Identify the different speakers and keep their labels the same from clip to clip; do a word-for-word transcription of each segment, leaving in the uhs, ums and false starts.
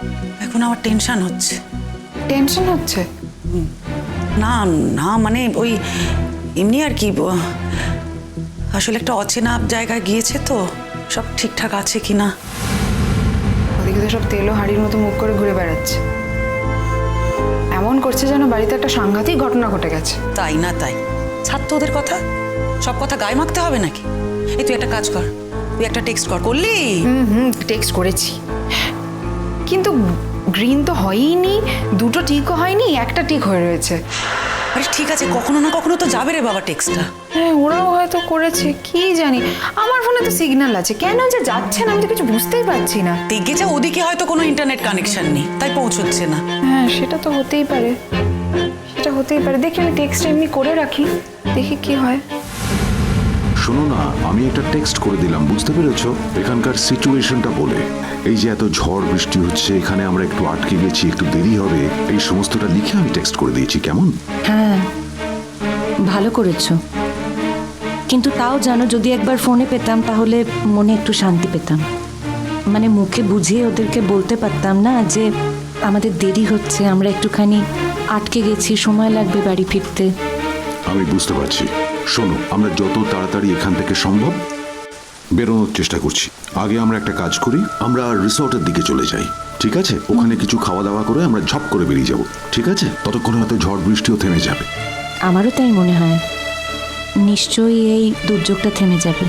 Speaker 1: এখন আমার টেনশন হচ্ছে।
Speaker 2: টেনশন হচ্ছে?
Speaker 1: না না মানে ওই এমনি আর কি, আসলে একটা অচেনা জায়গায় গিয়েছে তো, সব ঠিকঠাক আছে কিনা।
Speaker 2: ওদিকে তো সব তেলো হাড়ির মতো মুখ করে ঘুরে বেড়াচ্ছে, এমন করছে যেন বাড়িতে একটা সাংঘাতিক ঘটনা ঘটে গেছে।
Speaker 1: তাই না তাই, ছাড় তো ওদের কথা, সব কথা গায়ে মাখতে হবে নাকি? এই তুই একটা কাজ কর, তুই একটা টেক্সট কর। করলি?
Speaker 2: হুম হুম টেক্সট করেছি, কিন্তু গ্রিন তো হয়ইনি, দুটো টিকও হয়নি, একটা টিক হয়ে রয়েছে।
Speaker 1: আরে ঠিক আছে, কখনো না কখনো তো যাবে রে বাবা টেক্সটটা।
Speaker 2: হ্যাঁ ওরাও হয়তো করেছে, কি জানি। আমার ফোনে তো সিগন্যাল আছে, কেন যে যাচ্ছে না আমি তো কিছু বুঝতেই পারছি না।
Speaker 1: দেখেছে ওদিকে হয়তো কোনো ইন্টারনেট কানেকশন নেই, তাই পৌঁছচ্ছে না।
Speaker 2: হ্যাঁ সেটা তো হতেই পারে, সেটা হতেই পারে। দেখি আমি টেক্সট এমনি করে রাখি, দেখি কি হয়।
Speaker 3: শোনো না, আমি একটা টেক্সট করে দিলাম, বুঝতে পেরেছো? এখানকার সিচুয়েশনটা বলে, এই যে এত ঝড় বৃষ্টি হচ্ছে, এখানে আমরা একটু আটকে গেছি, একটু দেরি হবে, এই সমস্তটা লিখে আমি টেক্সট করে দিয়েছি। কেমন?
Speaker 4: হ্যাঁ ভালো করেছো, কিন্তু তাও জানো যদি একবার ফোনে পেতাম তাহলে মনে একটু শান্তি পেতাম। মানে মুখে বুঝিয়ে ওদেরকে বলতে পারতাম না যে আমাদের দেরি হচ্ছে, আমরা একটুখানি আটকে গেছি, সময় লাগবে বাড়ি ফিরতে।
Speaker 3: আমি বুঝতে পারছি। শোনো, আমরা যত তাড়াতাড়ি এখান থেকে সম্ভব বেরোনোর চেষ্টা করছি। আগে আমরা একটা কাজ করি, আমরা রিসর্টের দিকে চলে যাই, ঠিক আছে? ওখানে কিছু খাওয়া দাওয়া করে আমরা ঝপ করে বেরিয়ে যাব, ঠিক আছে? ততক্ষণে হয়তো ঝড় বৃষ্টিও থেমে যাবে।
Speaker 4: আমারও তাই মনে হয়, নিশ্চয়ই এই দুর্যোগটা থেমে যাবে।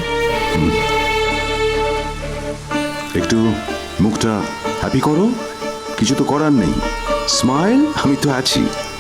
Speaker 3: একটু মুখটা হ্যাপি করো, কিছু তো করার নেই। স্মাইল, আমি তো আছি।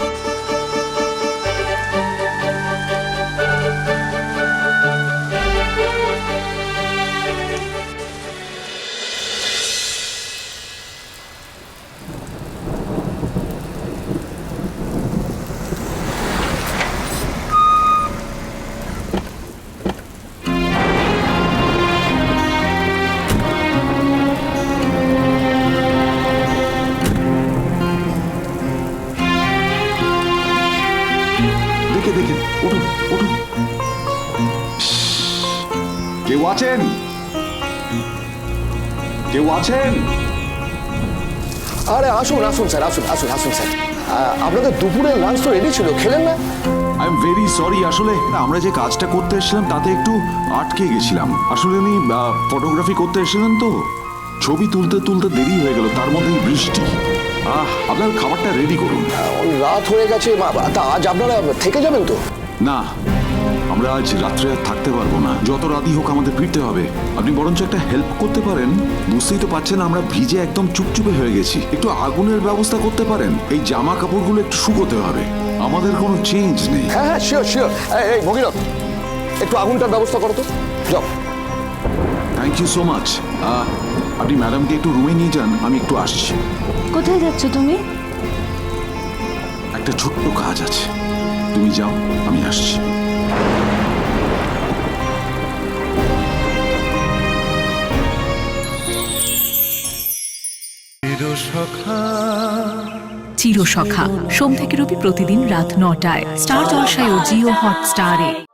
Speaker 3: দেখে দেখে ওঠো ওঠো। কেউ আছেন? কেউ আছেন?
Speaker 5: আরে আসুন আসুন স্যার, আসুন আসুন আসুন স্যার। আপনাদের দুপুরের লাঞ্চ তো রেডি ছিল, খেলেন না?
Speaker 3: আই এম ভেরি সরি, আসলে আমরা যে কাজটা করতে এসেছিলাম তাতে একটু আটকে গেছিলাম। আসলে আমি ফটোগ্রাফি করতে এসেছিলাম তো, ছবি তুলতে তুলতে দেরি হয়ে গেল, তার মধ্যেই বৃষ্টি। আহ আপনার খাবারটা রেডি করুন।
Speaker 5: রাত হয়ে গেছে, তা আজ আপনারা থেকে যাবেন তো?
Speaker 3: না, আমরা আজ রাত্রে আর থাকতে পারবো না, যত রাতই হোক আমাদের ফিরতে হবে। আপনি বরঞ্চ একটা হেল্প করতে পারেন, বুঝতেই তো পারছেন আমরা ভিজে একদম চুপচুপে হয়ে গেছি। একটু আগুনের ব্যবস্থা করতে পারেন, এই জামা কাপড়গুলো একটু শুকোতে হবে, আমাদের কোনো চেঞ্জ নেই।
Speaker 5: হ্যাঁ হ্যাঁ শিওর শিওর। এই ভগীরথ, একটু আগুনটার ব্যবস্থা করো তো, যাও।
Speaker 3: Thank you so much. আপনি ম্যাডামকে একটু রুমে নিয়ে যান, আমি একটু আসছি।
Speaker 4: কোথায় যাচ্ছ তুমি?
Speaker 3: একটা ছোট্ট কাজ আছে, তুমি যাও, আমি আসছি।
Speaker 6: চিরসখা সোম থেকে রবি প্রতিদিন রাত নটায় স্টার জলসায় ও জিও হটস্টারে।